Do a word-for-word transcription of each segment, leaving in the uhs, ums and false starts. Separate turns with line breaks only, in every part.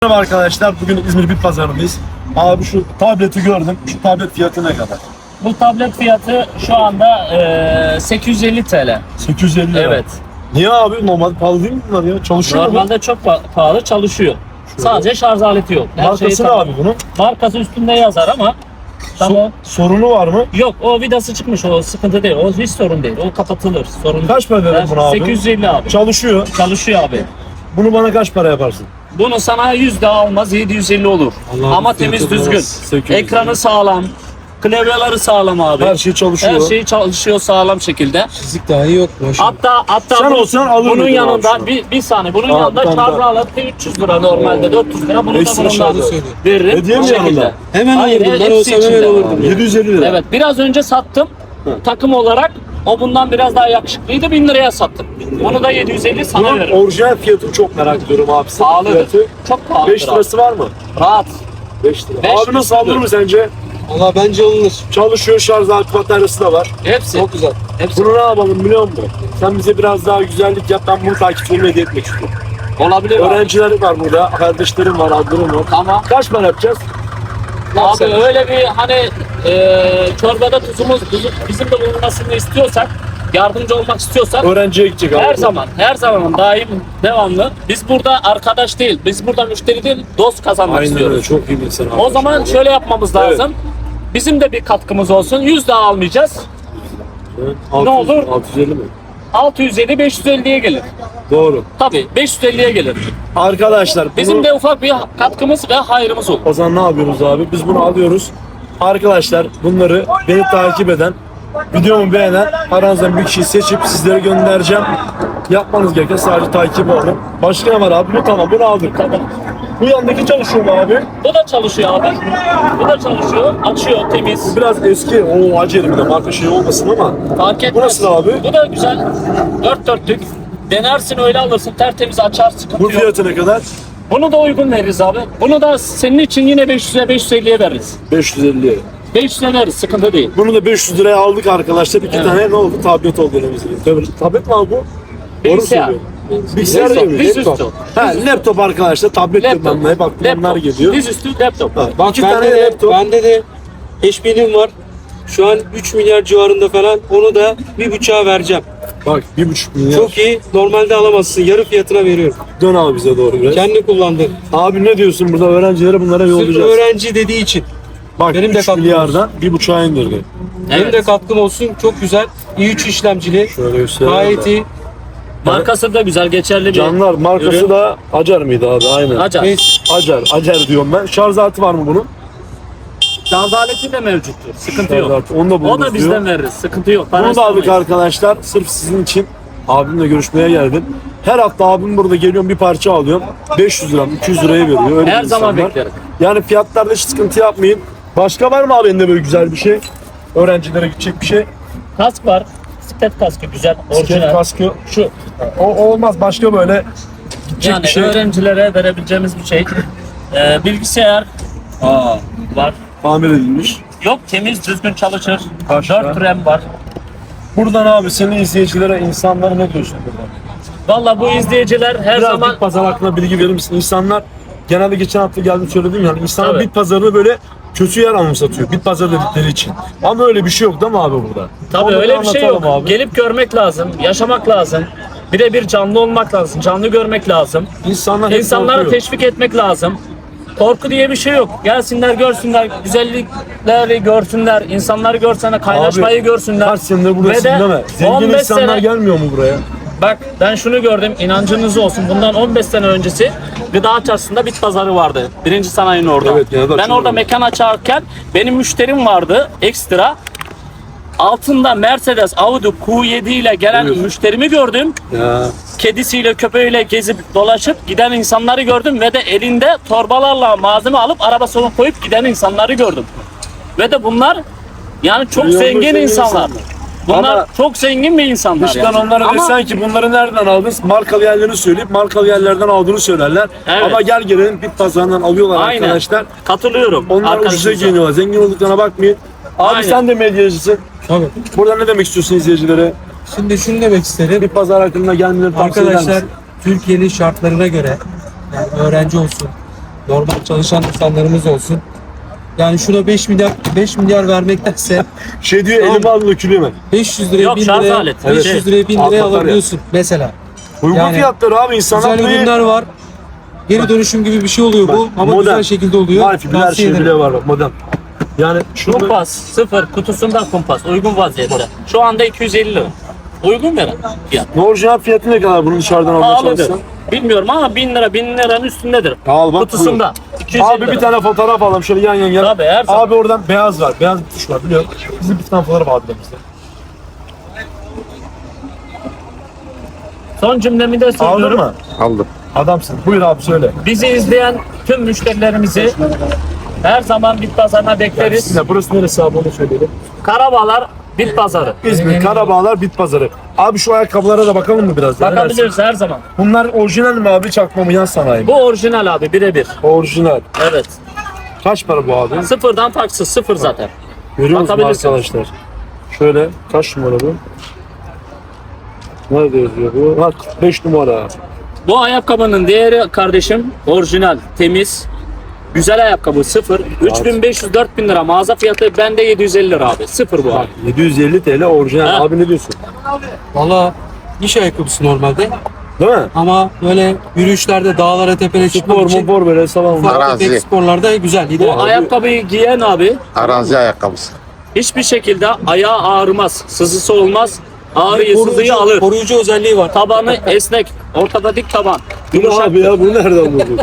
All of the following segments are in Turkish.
Merhaba arkadaşlar, bugün İzmir Bit Pazarı'ndayız. Abi şu tableti gördüm, şu tablet fiyatı ne kadar?
Bu tablet fiyatı şu anda e, sekiz yüz elli TL.
sekiz yüz elli lira.
Evet.
Niye abi? Normal pahalı değil mi bunlar ya? Çalışıyor mu?
Normalde çok pa- pahalı çalışıyor. Sadece şarj aleti yok. Her
Markası
şeyi
ne
tamam.
abi bunun?
Markası üstünde yazar ama tamam.
So- sorunu var mı?
Yok, o vidası çıkmış, o sıkıntı değil. O hiç sorun değil. O kapatılır. Sorun
Kaç para
değil.
dedin buna abi?
sekiz yüz elli abi.
Çalışıyor.
Çalışıyor abi.
Bunu bana kaç para yaparsın?
Bunu sana yüz daha almaz, yedi yüz elli olur.
Allah'ım,
ama
fiyatı
temiz
biraz
düzgün.
sekiz yüz.
Ekranı sağlam. Klavyeleri sağlam abi.
Her şey çalışıyor.
Her şey çalışıyor sağlam şekilde.
Fizik dahi yok maşallah.
Hatta hatta
Sen
bunun,
olsan alır
bunun
mıydın
yanında
abi şunu?
bir, bir saniye bunun
Aa,
yanında
bir tane
şarj
daha.
aleti üç yüz lira normalde, dört yüz lira, bunu da
Ekstra
bundan
şarjı
söylüyor.
veririm.
Hediye mi
Bu şekilde.
yanında?
Hemen
Hayır,
alırdım. Ben
hepsi
olsam hemen
içinde.
alırdım.
yedi yüz elli lira.
Evet, biraz önce sattım takım olarak. O bundan biraz daha yakışıklıydı, bin liraya sattım. Onu da yedi yüz elli sana
Bunun
veririm.
orijinal fiyatını çok merak ediyorum abi. Sıfır
Pahalıdır.
fiyatı.
Çok pahalıdır.
beş lirası var mı?
abi. Rahat.
beş lira.
Beş
Abi nasıl alır mı sence?
Valla bence alınır.
Çalışıyor, şarj aleti bataryası da var.
Hepsi.
Çok güzel.
Hepsi.
Bunu ne yapalım biliyor musun? Sen bize biraz daha güzellik yap, ben bunu takipçilerime hediye etmek istiyorum.
Olabilir abi.
Öğrencilerim var burada, kardeşlerim var, ablalarım var.
Tamam.
Kaç para yapacağız?
Abi öyle bir hani e, çorbada tuzumuz tuzu- bizim de bulunmasını istiyorsak, yardımcı olmak istiyorsak
Öğrenciye gidecek abi.
her zaman, her zaman daim, devamlı. Biz burada arkadaş değil, biz burada müşteri değil, dost kazanmak
Aynen
istiyoruz.
öyle, çok iyi bir insan.
O zaman şöyle yapmamız
Evet.
lazım. Bizim de bir katkımız olsun. yüz daha almayacağız.
altı yüz,
ne olur?
altı yüz elli mi?
altı yüz elli beş yüz elliye gelir.
Doğru.
Tabii beş yüz elliye gelir.
Arkadaşlar bunu,
Bizim de ufak bir katkımız ve hayrımız olur.
o zaman ne yapıyoruz abi? Biz bunu alıyoruz. Arkadaşlar bunları beni takip eden, videomu beğenen aranızdan bir kişiyi seçip sizlere göndereceğim. Yapmanız gereken sadece takip olun. Başka ne var abi? Bu tamam, bunu aldık.
Tamam.
Bu yandaki çalışıyor mu abi?
Bu da çalışıyor abi. Bu da çalışıyor. Açıyor, temiz.
Biraz eski, o acele bir de marka şey olmasın ama.
Fark etmez.
Bu nasıl abi?
Bu da güzel. Dört dörtlük. Denersin, öyle alırsın. Tertemiz açar, sıkıntı
Bu
yok.
fiyatı ne kadar?
Bunu da uygun veririz abi. Bunu da senin için yine beş yüze beş yüz elliye veririz.
beş yüz elli.
beş yüze veririz, sıkıntı değil.
Bunu da beş yüz liraya aldık arkadaşlar. İki
Evet.
tane ne oldu? Tablet oldu elimizde. Tablet, tablet mi abi bu? Doğru
Bilgisayar.
söylüyorum. Bilgisayar
Dizüstü,
değil mi?
dizüstü.
Laptop. Ha, laptop arkadaşlar. Tablet
Laptop.
diyorum ben. Hep aklıma onlar
Laptop.
geliyor.
Dizüstü laptop.
Ha,
Bak
iki
bende
tane
de,
laptop.
bende de H P'lim var. Şu an üç milyar civarında falan. Onu da bir buçuğa vereceğim.
Bak bir buçuk milyar.
Çok iyi. Normalde alamazsın. Yarı fiyatına veriyorum.
Dön abi bize doğru biraz.
Kendi kullandın.
Abi ne diyorsun burada öğrencilere bunlara
Sırf
yollayacağız.
öğrenci dediği için.
Bak
benim de
üç
katkım
milyardan bir buçuğa indirdi.
Benim
Evet.
de katkım olsun. Çok güzel. i üç işlemcili.
Şöyle göstereyim.
Gayet
de.
iyi.
Markası da güzel, geçerli bir
Canlar markası
ürün.
da Acar mıydı abi? Aynen.
Acar.
Neyse.
Acar. Acar diyorum ben. Şarj aleti var mı bunun?
Şarj aleti de mevcuttur. Sıkıntı
Şarj
yok.
aleti. Onu da
O
buluruz
da bizden
diyor.
veririz. Sıkıntı yok. Para
Bunu da aldık
istemeyiz.
arkadaşlar. Sırf sizin için abimle görüşmeye geldim. Her hafta abim burada geliyorum, bir parça alıyorum. beş yüz lira, iki yüz liraya veriyor. Öyle
Her
bir
zaman
insanlar.
beklerim.
Yani fiyatlarda hiç sıkıntı yapmayın. Başka var mı abi elinde böyle güzel bir şey? Öğrencilere gidecek bir şey.
Kask var. Bisiklet kaskı güzel.
Skelet
Orijinal.
kaskı. Şu. O, o olmaz. Başka böyle gidecek
Yani
bir şey.
öğrencilere verebileceğimiz bir şey. Ee, bilgisayar Aa, var.
Tamir edilmiş.
Yok, temiz, düzgün çalışır.
Başka?
dört RAM var.
Buradan abi senin izleyicilere, insanlara ne diyorsun burada?
Valla bu izleyiciler her
Biraz
zaman
bit pazarı hakkında bilgi verir misin? İnsanlar genelde geçen hafta geldim söyledim yani insanlar
Evet.
bit pazarını böyle kötü yer anımsatıyor. Bit pazarı dedikleri için. Ama öyle bir şey yok değil mi abi burada?
tabii
Onu
öyle bir şey yok.
anlatalım abi.
Gelip görmek lazım, yaşamak lazım. Birebir canlı olmak lazım, canlı görmek lazım.
İnsanlar hep
İnsanları
korkuyor.
teşvik etmek lazım. Korku diye bir şey yok. Gelsinler, görsünler, güzellikleri görsünler, insanları görsünler, kaynaşmayı
Abi,
görsünler.
Kaç senedir buradasın
Ve de
değil mi? Zengin
on beş
insanlar
sene-
gelmiyor mu buraya?
Bak ben şunu gördüm, inancınız olsun. Bundan on beş sene öncesi Gıda Çarşısı'nda bit pazarı vardı. Birinci sanayinin orada.
Evet, genelde
ben
açılıyor.
orada mekan açarken benim müşterim vardı ekstra. Altında Mercedes Audi Q yedi ile gelen
Buyur.
müşterimi gördüm.
Ya.
Kedisiyle köpeğiyle gezip dolaşıp giden insanları gördüm ve de elinde torbalarla malzeme alıp arabasına koyup giden insanları gördüm. Ve de bunlar yani çok
Milyonlar
zengin
zengin
insanlar.
insanlar.
Bunlar
Ama
çok zengin bir insanlar.
Dıştan
yani.
onlara
Ama
desen ki bunları nereden aldın? Markalı yerlerini söyleyip markalı yerlerden aldığını söylerler.
Evet.
Ama gel gelelim bit pazarından alıyorlar
aynen.
arkadaşlar.
Katılıyorum.
Onlar ucuza
arkadaşınıza.
giyiniyorlar. Zengin olduklarına bakmayın. Abi
Aynen.
sen de medyacısın.
Tabii.
Burada ne demek istiyorsun izleyicilere?
Şimdi şunu demek isterim.
Bir pazar hakkında gelmeleri tavsiye eder
Arkadaşlar
misin?
Türkiye'nin şartlarına göre yani öğrenci olsun, normal çalışan insanlarımız olsun. Yani şuna beş milyar beş milyar vermektense
Şey diyor
Tamam.
elime alın dökülüyor mu?
beş yüz liraya
Yok,
bin
şarj
liraya
aleti.
beş yüz
Evet.
liraya bin liraya
Al batarya.
alabiliyorsun mesela.
Uygun
Yani
fiyatları abi insanlar
Güzel
burayı-
ürünler var. Geri dönüşüm gibi bir şey oluyor bu ama
modern.
güzel şekilde oluyor.
Wi-Fi bile her
Tavsiye
şey
ederim.
bile var bak modern. Yani şunu
Kumpas sıfır kutusunda kumpas uygun vaziyette. Şu anda iki yüz elli lira. Uygun veren fiyat.
orijinal fiyatı ne kadar bunun dışarıdan almaya
Pahalıdır.
çalışsan?
Bilmiyorum ama bin lira bin liranın üstündedir.
Al bak,
Kutusunda. iki yüz elli
Abi
lira.
bir tane fotoğraf alalım şöyle yan yan yan.
Tabii, her zaman.
Abi oradan beyaz var. Beyaz bir tuş var biliyor musun? Bizim bir tane fotoğraf aldı bizde.
Son cümlemi de
Aldın
söylüyorum.
mı?
Aldım.
Adamsın. Buyur abi söyle.
Bizi izleyen tüm müşterilerimizi her zaman bit pazarına bekleriz.
Bismillah, burası neresi abi onu söyleyelim.
Karabağlar bit pazarı.
İzmir, Karabağlar, Bit Pazarı. Abi şu ayakkabılara da bakalım mı biraz? ya? Ne dersin?
Bakabiliriz her zaman.
Bunlar orijinal mi abi çakma mı yan sanayi mi?
Bu orijinal abi birebir.
Orijinal.
Evet.
Kaç para bu abi?
Sıfırdan taksız sıfır zaten.
Görüyor musunuz
Bakabilirsiniz.
arkadaşlar? Şöyle kaç numara bu? Nerede yazıyor bu? Ha kırk beş numara.
Bu ayakkabının değeri kardeşim orijinal, temiz, güzel ayakkabı sıfır. üç bin beş yüz dört bin lira mağaza fiyatı bende yedi yüz elli lira abi. Sıfır bu abi.
yedi yüz elli TL orijinal.
Ha.
Abi ne diyorsun?
Valla iş ayakkabısı normalde
Değil mi?
ama böyle yürüyüşlerde dağlara tepelere
Spor
çıkmak için
mopor böyle salon.
ufak
Arazi.
tefek sporlarda güzel.
Bu
ideal.
ayakkabıyı giyen abi
Arazi ayakkabısı.
hiçbir şekilde ayağı ağrımaz, sızısı olmaz. Ağrıyı,
Koruyucu-
sızıyı alır.
Koruyucu özelliği var.
Tabanı esnek, ortada dik taban.
Bu ne
Yumuşak.
abi ya? Bu nereden buldun?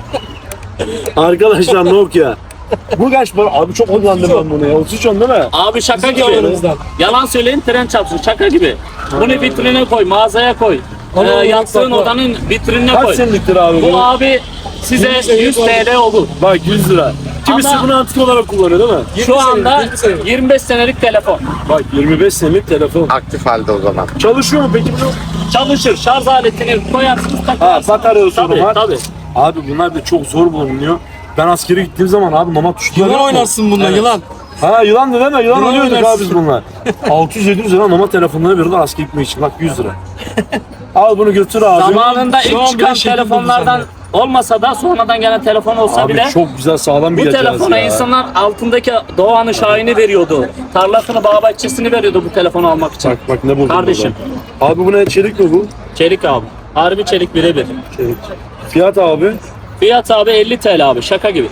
Arkadaşlar Nokia. Bu kaç para? Abi çok kullandım ben bunu ya. otuz üç on değil mi?
Abi şaka gibi.
zamanımızdan.
Yalan söyleyin tren çarpsın. Şaka gibi. Bunu vitrine koy, mağazaya koy. Ee,
Allah Allah,
yattığın
bak, bak.
odanın vitrinine
Kaç
koy.
seneliktir abi bu?
Bu abi size yüz T L olur.
Bak yüz lira. Kimisi
Ama-
bunu antik olarak kullanıyor değil mi?
Şu anda
yirmi senelik.
yirmi beş senelik telefon.
Bak yirmi beş senelik telefon.
Aktif halde o zaman.
Çalışıyor mu peki bunu?
Çalışır. Şarj aletini koyarsınız
Ha
takarsınız.
batarya sorunu
Tabii
var.
tabii.
Abi bunlar da çok zor bulunuyor. Ben askere gittiğim zaman abi mama tuşları
Yılan
yok mu?
oynarsın bununla yılan.
Ha yılan da deme yılan
Yılan
oynuyorduk
oynarsın.
abi biz bunlar. altı yüz yedi yüz lira mama telefonları veriyorlar askere gitmek için. Bak yüz lira. Al bunu götür abi.
Zamanında
Şu
ilk
an
çıkan
bile şekil
telefonlardan
buldu
olmasa da sonradan gelen telefon olsa
Abi
bile
çok güzel sağlam bir
bu
cihaz
telefona
ya.
insanlar altındaki Doğan'ın Şahin'i veriyordu. Tarlasını, bağ bahçesini veriyordu bu telefonu almak için.
Bak bak ne buldum
Kardeşim.
burada. Abi bu ne çelik mi bu?
Çelik abi. Harbi çelik birebir.
Çelik. Fiyat abi.
Fiyat abi elli T L abi şaka gibi.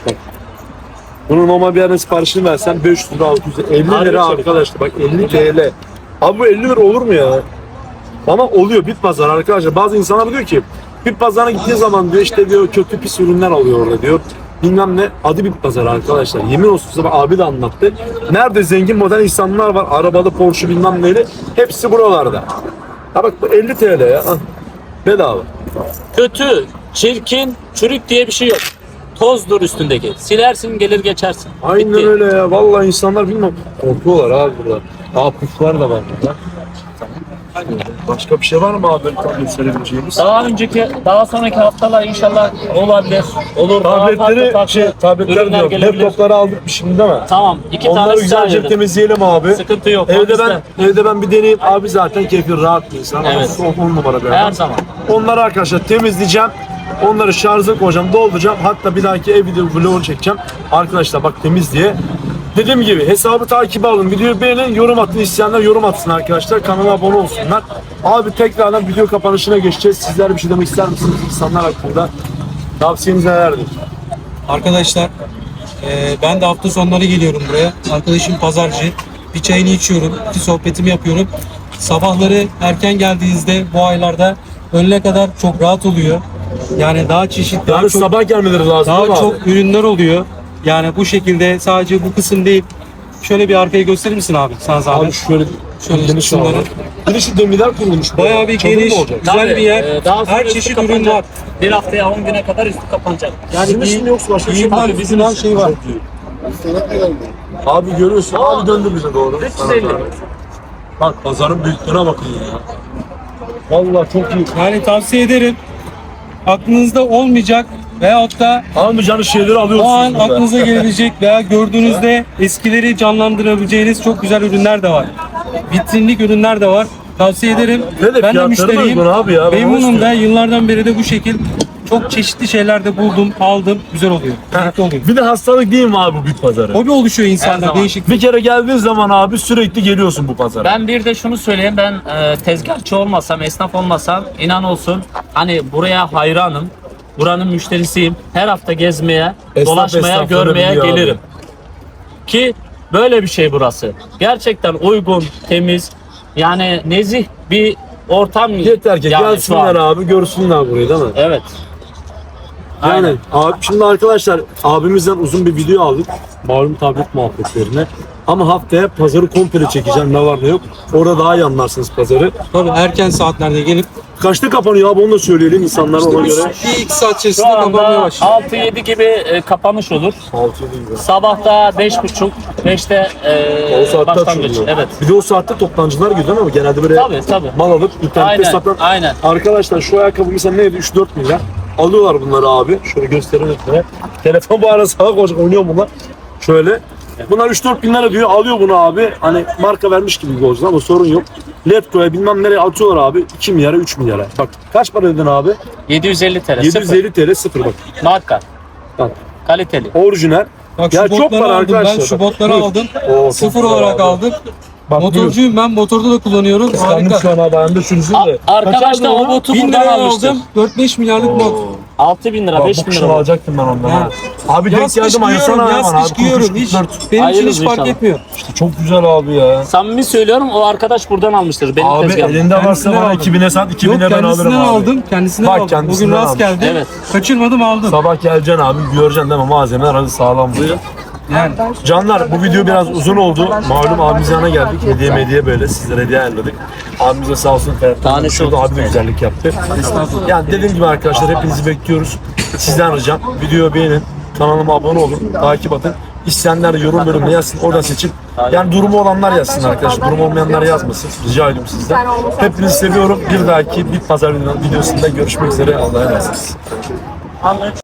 Bunu normal bir yerden siparişini versen beş yüz lira altı yüz lira. elli
Harbi
lira
çelik.
arkadaşlar bak elli T L. Abi bu elli lira olur mu ya? Ama oluyor bit pazar arkadaşlar. Bazı insanlar diyor ki bit pazarına gittiği zaman diyor işte diyor kötü pis ürünler alıyor orada diyor. Bilmem ne adı bit pazarı arkadaşlar. Yemin olsun size bak abi de anlattı. Nerede zengin modern insanlar var arabalı Porsche bilmem neyle hepsi buralarda. Ha bak bu elli T L ya. Ah, bedava.
Kötü, çirkin, çürük diye bir şey yok. Tozdur üstündeki. Silersin gelir geçersin.
Aynen
Bitti.
öyle ya. Vallahi insanlar bilmem korkuyorlar abi burada. Aa puflar da var burada. Başka bir şey var mı abi böyle gösterebileceğimiz?
Daha önceki, daha sonraki haftalar inşallah olabilir. Olur. daha farklı
Tabletleri
farklı
şey tabletler
ürünler
diyor.
gelebilir.
Laptopları aldık mı şimdi değil mi?
Tamam. iki
Onları
tane
güzelce
güzelce
temizleyelim abi.
Sıkıntı yok. o
Evde
bizde.
ben evde ben bir deneyeyim. Abi zaten keyfi rahat bir insan.
Evet.
on, on numara bir
Her
adam.
zaman.
Onları arkadaşlar temizleyeceğim. Onları şarja koyacağım, dolduracağım. Hatta bir dahaki ev video vlogu çekeceğim. Arkadaşlar bak temiz diye. Dediğim gibi hesabı takibe alın. Videoyu beğenin, yorum atın. İsteyenler yorum atsın arkadaşlar. Kanala abone olsunlar. Abi tekrardan video kapanışına geçeceğiz. Sizler bir şey demek ister misiniz insanlar hakkında? Tavsiyeniz nelerdir?
Arkadaşlar e, ben de hafta sonları geliyorum buraya. Arkadaşım pazarcı. Bir çayını içiyorum, bir sohbetimi yapıyorum. Sabahları erken geldiğinizde bu aylarda öğlene kadar çok rahat oluyor. Yani daha çeşitli, daha
Yani
çok,
sabah gelmeleri lazım
daha
değil mi
çok
abi?
ürünler oluyor. Yani bu şekilde sadece bu kısım değil. Şöyle bir arkayı gösterir misin abi sana
Abi
zahmet?
şöyle
Şöyle
geniş
şunları.
var. Bir de şu demirler kurulmuş.
Bayağı bir
Çadır mı
geniş,
olacak?
güzel
Tabii,
bir yer.
e, daha sonra
Her
üstü
çeşit ürün
kapanacak.
var.
Bir haftaya on güne kadar üstü kapanacak.
Yani
Sizin için mi yoksa başka bir şey mi?
giyimler,
Abi
bizim her şey var.
Abi görüyorsun. Abi döndü bize doğru.
üç yüz elli.
Bak pazarın büyüklüğüne bakın ya. Vallahi çok iyi.
Yani tavsiye ederim. Aklınızda olmayacak veyahut da
Almayacağınız şeyleri
o
alıyorsunuz
an
burada.
aklınıza gelebilecek veya gördüğünüzde eskileri canlandırabileceğiniz çok güzel ürünler de var. Vitrinlik ürünler de var. Tavsiye ederim.
Ne de
Ben de
fiyatları
müşteriyim.
uygun abi ya, ben onu
Memnunum da
istiyorum.
yıllardan beri de bu şekil çok çeşitli şeyler de buldum, aldım. Güzel oluyor. Zevkli oluyor.
Bir de hastalık değil mi abi bu bit pazarı?
Hobi oluşuyor
Her
insanda
zaman.
değişik.
Bir kere geldiğin zaman abi sürekli geliyorsun bu pazara.
Ben bir de şunu söyleyeyim, ben e, tezgahçı olmasam, esnaf olmasam inan olsun hani buraya hayranım. Buranın müşterisiyim. Her hafta gezmeye,
Esnaf
dolaşmaya,
esnafları
görmeye
biliyor abi.
gelirim. Ki böyle bir şey burası. Gerçekten uygun, temiz, yani nezih bir ortam.
Yeter ki
yani şu
gelsinler
an.
abi görsünler burayı değil mi?
Evet.
Yani
Aynen.
abi şimdi arkadaşlar abimizden uzun bir video aldık. Malum tablet muhabbetlerine. Ama haftaya pazarı komple çekeceğim ne var ne yok. Orada daha iyi anlarsınız pazarı.
Tabii erken saatlerde gelip
Kaçta kapanıyor abi onu da söyleyelim insanlara ona
bir,
göre.
bir iki saat
Şu
içerisinde kapanmaya
anda
başlıyor.
altı yedi gibi e, kapanış olur.
altı gibi.
Sabahta beş buçuk, beşte e,
O saatte
başlangıç.
açılıyor.
Evet.
Bir de o saatte toptancılar gidiyor ama genelde böyle
Tabii tabii.
mal alıp internette
Aynen,
satan.
aynen.
Arkadaşlar şu ayakkabı mesela neydi? üç dört milyar. Alıyorlar bunları abi. Şöyle gösterelim size. Telefon bu ara sağa koşacak oynuyor bunlar. Şöyle. Bunlar üç dört bin lira diyor. Alıyor bunu abi. Hani marka vermiş gibi gözüküyor ama sorun yok. Letgo'ya bilmem nereye atıyorlar abi. iki milyara üç milyara. Bak kaç para dedin abi?
yedi yüz elli T L.
yedi yüz elli TL sıfır bak.
Sıfır. Marka.
Bak.
Kaliteli.
Orijinal.
Bak
Ya
şu
çok
botları
para
aldım
arkadaşlar.
ben, şu
Bak,
botları
buyur.
aldım.
Oo, çok
Sıfır
güzel
olarak
abi.
aldım.
Bak, buyur.
Motorcuyum ben, motorda da kullanıyorum.
Kıskandım
Harika.
şu an abi. Ben de şunu
A-
de.
Arkadaşlar o botu
bin
buradan
liraya
almıştır.
aldım. dört beş milyarlık bot.
altı bin lira,
Bak,
beş
bu
bin
kışın
lira. bot.
alacaktım ben ondan.
Ha.
ha. Abi denk
Yaz kış
geldim ayırsana
giyiyorum,
hemen
yaz
abi.
kış giyiyorum. Hiç, benim için
Hayırlısı
hiç fark
inşallah.
etmiyor.
İşte çok güzel abi ya.
Samimi söylüyorum, o arkadaş buradan almıştır. Benim
Abi
tezgahım.
elinde varsa
Kendisinden
bana
aldım.
iki bine sat, iki
Yok
bine ben alırım
kendisinden
abi.
aldım. Kendisinden
Bak,
aldım.
kendisinden
Bugün rast
almış.
geldi.
Evet.
Kaçırmadım aldım.
Sabah geleceksin abi, göreceksin değil mi? Malzemeler hadi sağlam bu.
Yani.
Canlar bu video biraz uzun oldu. Malum abimiz yanına geldik. Hediye mediye böyle sizlere hediye ayarladık. Abimiz de sağ olsun Ferhat.
Tanesi
Şurada
olsun.
abi de güzellik yaptı. Yani dediğim gibi arkadaşlar hepinizi bekliyoruz. Sizden ricam videoyu beğenin. Kanalıma abone olun. Takip atın. İsteyenler de yorum bölümüne yazsın. Oradan seçin. Yani durumu olanlar yazsın arkadaşlar. Durumu olmayanlar yazmasın. Rica ediyorum sizden. Hepinizi seviyorum. Bir dahaki bir pazar videosunda görüşmek üzere. Allah'a emanet olun.